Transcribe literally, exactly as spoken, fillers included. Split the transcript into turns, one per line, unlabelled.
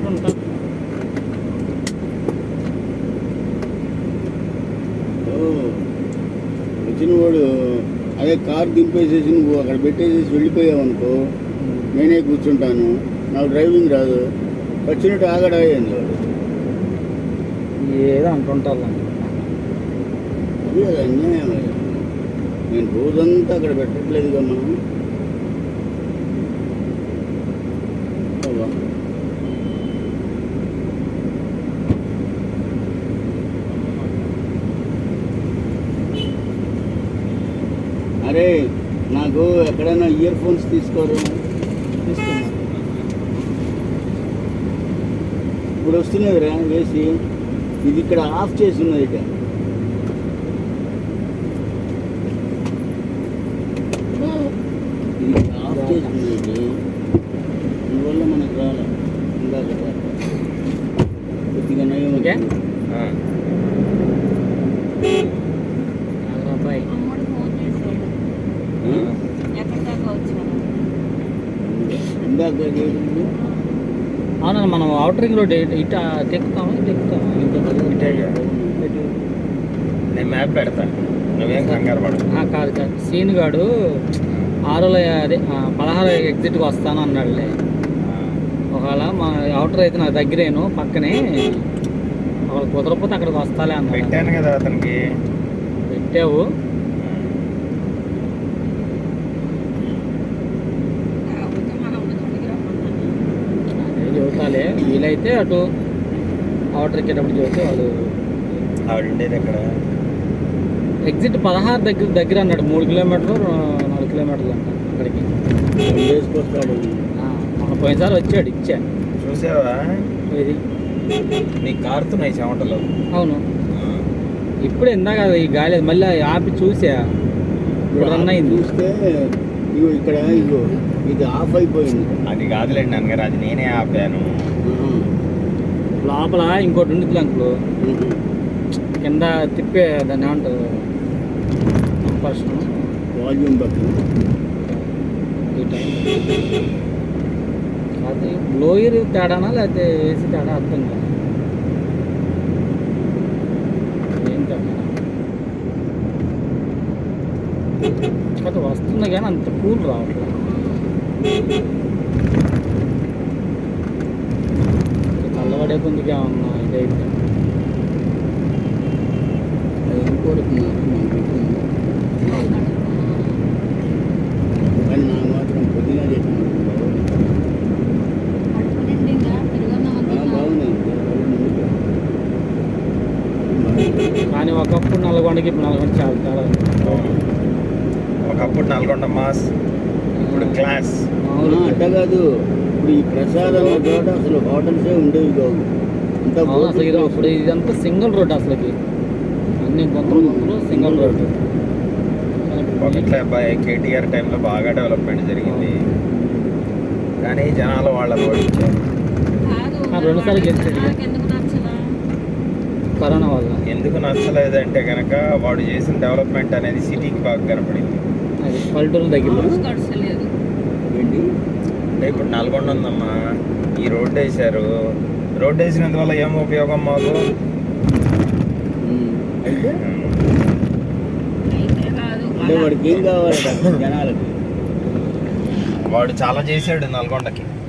ఉంటా.
వచ్చిన వాడు అదే కార్ దింపేసేసి నువ్వు అక్కడ పెట్టేసేసి వెళ్ళిపోయావు అనుకో, నేనే కూర్చుంటాను, నాకు డ్రైవింగ్ రాదు, వచ్చినట్టు ఆగడా అయ్యింది వాడు.
ఏదో అంటుంటారు.
అది అది అన్యాయం. నేను రోజంతా అక్కడ పెట్టట్లేదుగా మనం. అరే నాకు ఎక్కడైనా ఇయర్ ఫోన్స్ తీసుకోరు.
తీసుకున్నా
ఇప్పుడు వస్తున్నదిరా వేసి, ఇది ఇక్కడ ఆఫ్ చేసి ఉన్నది. ఇక ఇది ఆఫ్ చేసి ఉన్నది, అందువల్ల మనకు రాలే. ఇందాక కొద్దిగా నయం.
ఓకే అబ్బాయి
ఇందాక
అవునా, మనం అవుటర్ రింగ్ రోడ్ ఇట తెక్కుతామా ఇటు ఎక్కుతామా?
నేను మ్యాప్ పెడతా, నువ్వేం కంగారు పడు.
కాదు కాదు, సీన్ గాడు ఆరులో అదే పదహారు ఎగ్జిట్కి వస్తాను అన్నాడులే. ఒకవేళ మా అవుటర్ అయితే నాకు దగ్గరేను పక్కనే, ఒకవేళ కుదరకపోతే అక్కడికి వస్తాలే అన్నాడు.
పెట్టాను కదా అతనికి.
పెట్టావు చెబుతాలే, వీలైతే అటు అవుటర్ ఎక్కేటప్పుడు చెబితే వాళ్ళు.
ఆవిడ ఉండేది ఎక్కడ?
ఎగ్జిట్ పదహారు దగ్గర దగ్గర అన్నాడు. మూడు కిలోమీటర్లు నాలుగు కిలోమీటర్లు అంట అక్కడికి.
వేసుకొస్తాడు.
మన పోయినసారి వచ్చాడు, ఇచ్చా.
చూసావా
ఇది
నీ కారుతున్నాయి చెమటలు.
అవును, ఇప్పుడు ఇందాక ఈ గాలి మళ్ళీ ఆపి చూసా, రన్ అయింది.
చూస్తే ఇగో ఇక్కడ ఇగో ఇది ఆఫ్ అయిపోయింది.
అది కాదులేండి అన్నగారు, అది నేనే ఆపాను.
లోపల ఇంకోటి ఉంది అంకులు, కింద తిప్పే దాన్ని ఏమంటారు, ఫస్ట్
వాల్యూమ్ బట్టి
ఈ టైం అది బ్లోయర్ తేడానా లేకపోతే ఏసీ తేడా అర్థం కాదు. ఏం తేడా కాదు, వస్తుంది కానీ అంత కూల్ రావట్లేదు. చల్లబడే కొందిగా ఉన్నా ఇదైతే
ఏం కోరుతున్నారు కానీ నాకు మాత్రం పొద్దున చేసిన బాగున్నాయి.
కానీ ఒకప్పుడు నల్గొండకి ఇప్పుడు నల్గొండ చాలా తేడా.
ఒకప్పుడు నల్గొండ మాస్, ఇప్పుడు క్లాస్.
అవును
అంట కాదు, ఇప్పుడు ఈ ప్రసాదం చోట అసలు హోటల్సే ఉండేవి కావు. అంతా
అవును, అసలు ఇది ఇప్పుడు ఇదంతా సింగిల్ రోడ్, అసలుకి అన్ని గుంతలు గుంతలు సింగిల్ రోడ్డు.
ఒకట్లే అబ్బాయి, కేటీఆర్ టైంలో బాగా డెవలప్మెంట్ జరిగింది, కానీ జనాలు వాళ్ళని ఓడించారు.
రెండుసార్లు గెలిచాడు కరోనా వల్ల.
ఎందుకు నచ్చలేదంటే కనుక వాడు చేసిన డెవలప్మెంట్ అనేది సిటీకి బాగా కనపడింది.
అది పల్లెటూరు దగ్గర
ఏంటి
అంటే ఇప్పుడు నల్గొండ ఉందమ్మా, ఈ రోడ్డు వేసారు, రోడ్డు వేసినందువల్ల ఏం ఉపయోగం మాకు?
అయితే అంటే వాడికి ఏం కావాలి జనాలకి?
వాడు చాలా చేశాడు నల్గొండకి.